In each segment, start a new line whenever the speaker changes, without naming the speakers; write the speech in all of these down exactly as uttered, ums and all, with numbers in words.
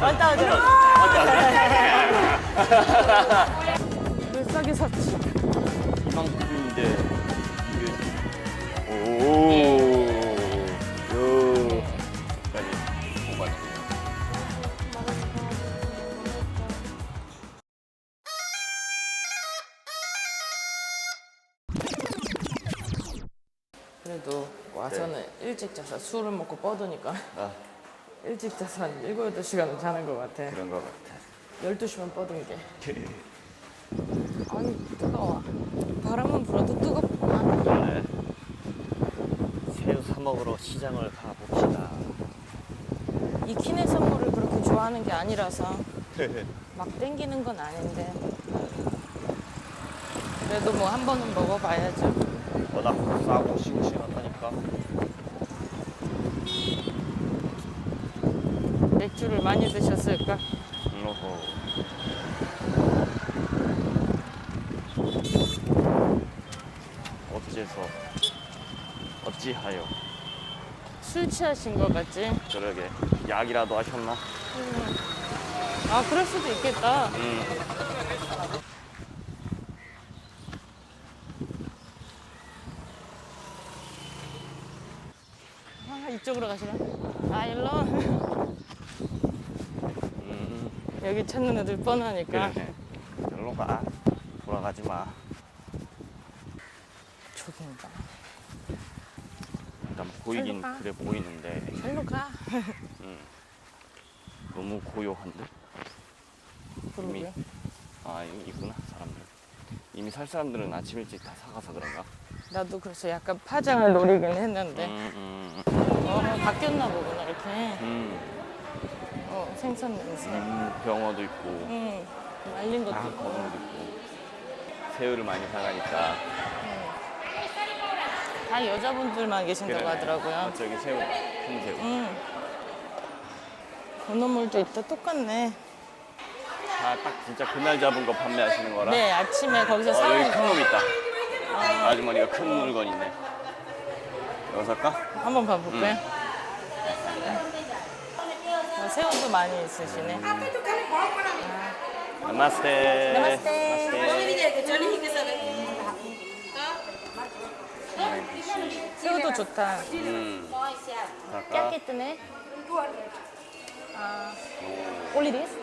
완따오죠. 왜 싸게 샀지?
이만큼인데 이게 오. 요. 까지 오바지.
그래도 와서는 일찍 자서 술을 먹고 뻗으니까
아,
일찍 자서 한 일곱, 여덟 시간은 자는 것 같아.
그런 것 같아.
열두 시만 뻗은 게. 아니, 뜨거워. 바람은 불어도 뜨겁구나.
그래. 새우 사 먹으러 시장을 가봅시다.
이 키네 선물을 그렇게 좋아하는 게 아니라서 막 땡기는 건 아닌데 그래도 뭐 한 번은 먹어봐야죠.
워낙 싸고 싱싱하다니까.
맥주를 많이 드셨을까?
어허. 어째서 어찌하여
술 취하신 것 같지?
저러게 약이라도 하셨나?
아, 그럴 수도 있겠다.
음.
아, 이쪽으로 가시나? 아, 일로?
음.
여기 찾는 애들 뻔하니까.
그래. 절로 가. 돌아가지 마.
저긴가?
일단 보이긴
절로 가.
그래 보이는데
일로 가.
너무 고요한데?
그러게.
아 여기 있구나 사람들. 이미 살 사람들은 아침 일찍 다 사가서 그런가?
나도 그래서 약간 파장을 노리긴 했는데.
음, 음,
어, 바뀌었나 보구나, 이렇게.
음,
어, 생선 냄새.
음, 병어도 있고
응, 말린 것도
아,
있고.
거북도 있고 새우를 많이 사가니까
다 여자분들만 계신다고
그래.
하더라고요.
어, 저기 새우 큰 새우.
응. 건어물도 있다, 똑같네.
아, 딱 진짜 그날 잡은 거 판매하시는 거라?
네, 아침에 거기서
어,
사온
여기 큰
거.
놈 있다. 아주머니가 큰 물건 있네. 이거 살까?
한번 봐볼까요? 어, 새우도 많이 있으시네.
나마스테.
나마스테. 새우도 좋다.
음. 살까?
깨끗하네. 아, only this?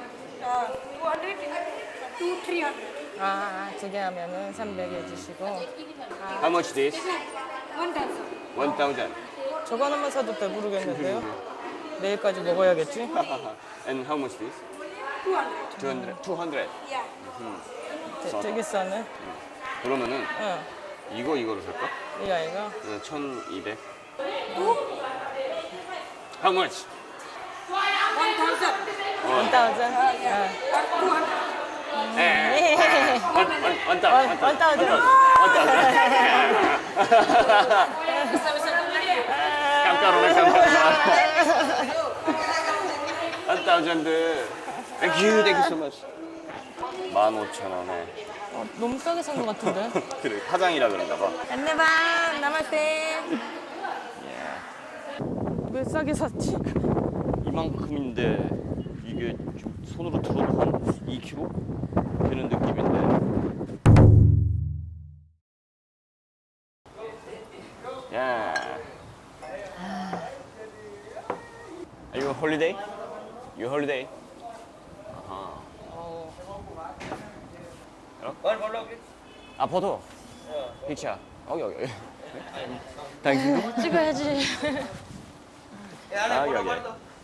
아, 두 개 하면은 삼백 해주시고.
How much this? one thousand.
저거 하나만 사도 배부르겠는데요? 내일까지 먹어야겠지?
And how much this? two hundred. two hundred.
되- 되게 싸네.
그러면은
응,
이거 이거로 살까?
이 아이가.
네, 천이백. How much?
원 타우전.
예. 원, 원, 원, 원, 원,
원 타우전.
깜짝이야, 깜짝이야. 원 타우전드. Thank you, thank you so much. 만 오천 원에.
어, 너무 싸게 산 것 같은데?
그래, 화장이라 그런가 봐.
안내봐, 나마스테. 왜 싸게 샀지?
이만큼인데 이게 좀 손으로 들어도 한 이 킬로그램 되는 느낌인데. 야. Are you on holiday? You holiday? 아하.
어,
아, 포토. 픽처. 여기 여기. 당신도?
찍어야지.
아, 여기 여기.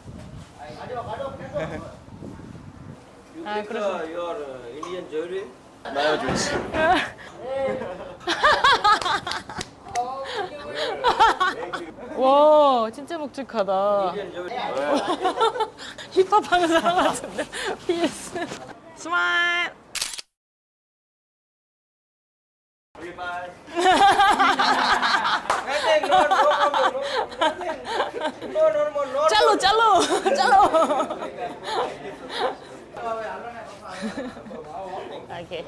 아, 그래서.
your uh, Indian jewelry.
나요 좋지.
와, 진짜 묵직하다. 힙합 하는 사람 같은데. 피에스. 스마일.
Nothing, no, no problem, no, nothing. No, no, no, no.
짤로, 짤로, 짤로. 오케이.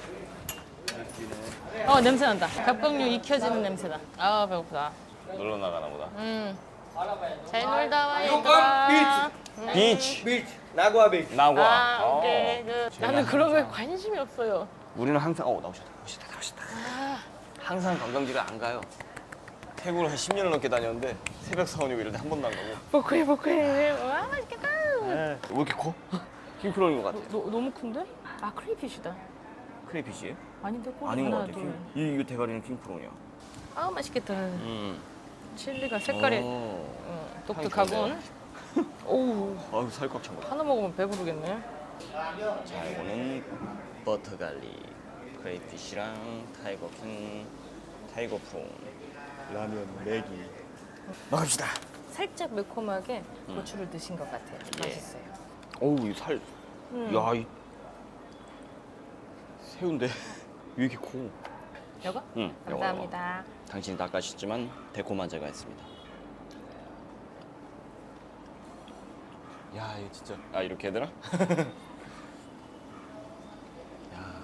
어, 냄새 난다. 갑각류 익혀지는 냄새다. 아, 배고프다.
놀러 나가나 보다.
음. 잘 놀다 와, 얘들아.
비치.
비치, 나고아 비치.
나과.
아,
어.
오케이. 그, 나는 그런 거에 관심이 없어요.
우리는 항상 어 나오셨다 나오셨다 나오셨다. 항상 관광지를 안 가요. 태국을 한 십 년을 넘게 다녔는데 새벽 사원이고 이럴 때 한 번도 안 가고.
포크해, 포크해. 와, 맛있겠다.
왜 이렇게 커? 킹크롤인 것 같아.
너, 너무 큰데? 아, 크레이피쉬다.
크레이피시예요?
아닌데, 꼬리
아닌 것
하나,
같아.
둘.
이 이거 대가리는 킹크롤이야.
아, 맛있겠다.
음.
칠리가 색깔이
오.
어, 독특하군. 오우,
아유 살 꽉 찬 거.
하나 먹으면 배부르겠네.
자 이거는 버터 갈릭, 크레이피시랑 타이거 킹, 타이거 프론, 라면, 매기. 먹읍시다.
살짝 매콤하게 고추를 드신 것 같아요.
예.
맛있어요.
어우 이 살.
음.
야 이. 새우인데 왜 이렇게 커?
여거?
응.
감사합니다.
당신이 낚아셨지만 달콤한 제가 했습니다. 야 이거 진짜. 아 이렇게 해야 되나? 야.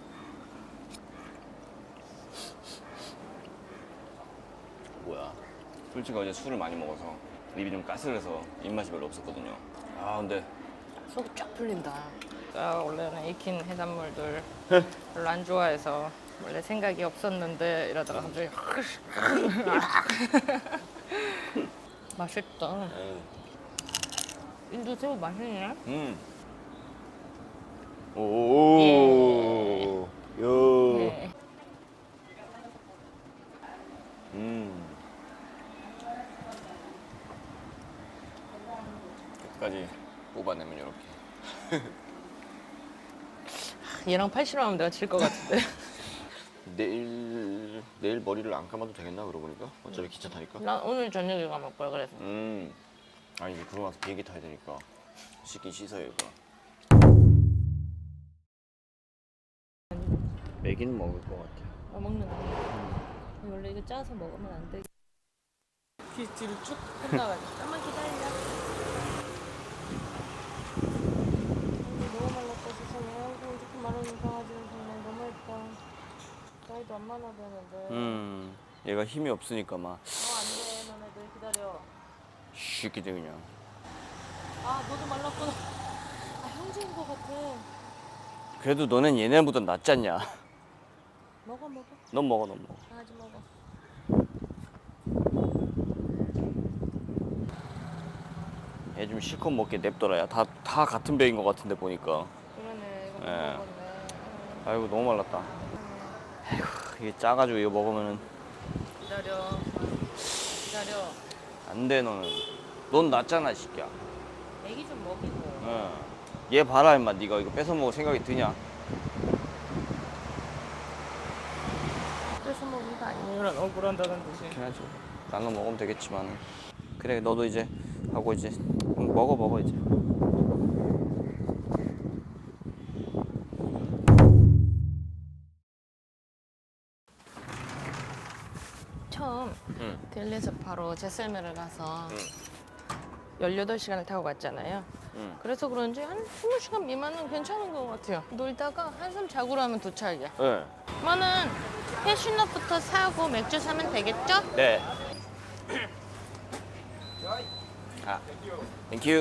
뭐야? 솔직히 어제 술을 많이 먹어서 입이 좀 까슬해서 입맛이 별로 없었거든요. 아 근데
속이 쫙 풀린다. 아, 원래는 익힌 해산물들 별로 안 좋아해서 원래 생각이 없었는데 이러다가 갑자기 맛있다.
에이.
인도 새우 맛있네.
음. 오. 요.
네.
음. 끝까지 뽑아내면 이렇게.
얘랑 팔씨름하면 내가 질 것 같은데.
내일 내일 머리를 안 감아도 되겠나 그러고 보니까 어차피 기차 타니까.
난 오늘 저녁에 감을 거야 그래서.
음. 아니 이제 그러고 나서 비행기 타야 되니까 씻긴 씻어야 이거. 매기는 먹을 것 같아.
아, 먹는다. 원래 이거 짜서 먹으면 안 돼. 귀 뒤로 쭉 뻗나가지고. 잠깐만 기다려. 너무 말랐다 세상에. 아이고 이렇게 마른 강아지는 정말 너무 예뻐. 나이도 안 많아 보이는데.
음. 얘가 힘이 없으니까 막
어 안돼 너네들 기다려.
쉽게 그냥.
아 너도 말랐구나. 아 형제인 것 같아.
그래도 너는 얘네보다 낫지 않냐?
먹어 먹어.
넌 먹어, 넌 먹어.
강아지 먹어.
얘 좀 실컷 먹게 냅둬라야. 다, 다 같은 배인 것 같은데 보니까.
그러네 이거
예.
먹었네.
아이고 너무 말랐다. 아이고 이게 짜가지고 이거 먹으면은
기다려. 기다려.
안 돼 너는. 넌 낫잖아 이 새끼야.
애기 좀 먹이고.
응. 얘 봐라 임마. 네가 이거 뺏어 먹을 생각이 드냐?
뺏어 먹은 거 아니면 억울한다는 듯이.
그렇긴 하지. 나는 먹으면 되겠지만. 그래 너도 이제 하고 이제 응, 먹어 먹어 이제.
처음
응.
델리에서 바로 제셀메를 가서
응.
열여덟 시간을 타고 갔잖아요.
응.
그래서 그런지 한 스무 시간 미만은 괜찮은 것 같아요. 놀다가 한숨 자고로 하면 도착이야.
네.
그러면은 캐슈넛부터 사고 맥주 사면 되겠죠?
네. 아, 땡큐.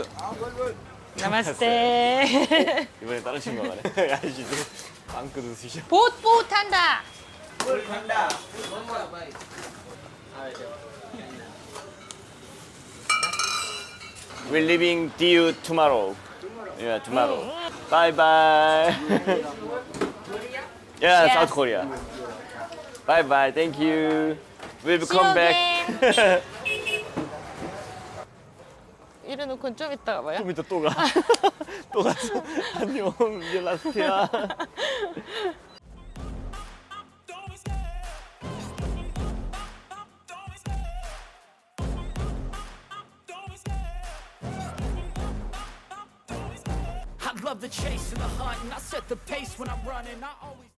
나마스테.
이번에 다른 친구가 가네. 아저씨도 빵 뜯으시죠.
보트보트 한다.
간다.
We're leaving due tomorrow. Yeah, tomorrow. Bye bye. Yeah,
Yes.
South Korea. Bye bye. Thank you. We'll
See you
come back.
이래놓고 좀 이따가 봐요.
좀 이따 또 가. 또 갔어. 안녕. 이제 라스트야.
I love the chase and the hunt, and I set the pace when I'm running. I always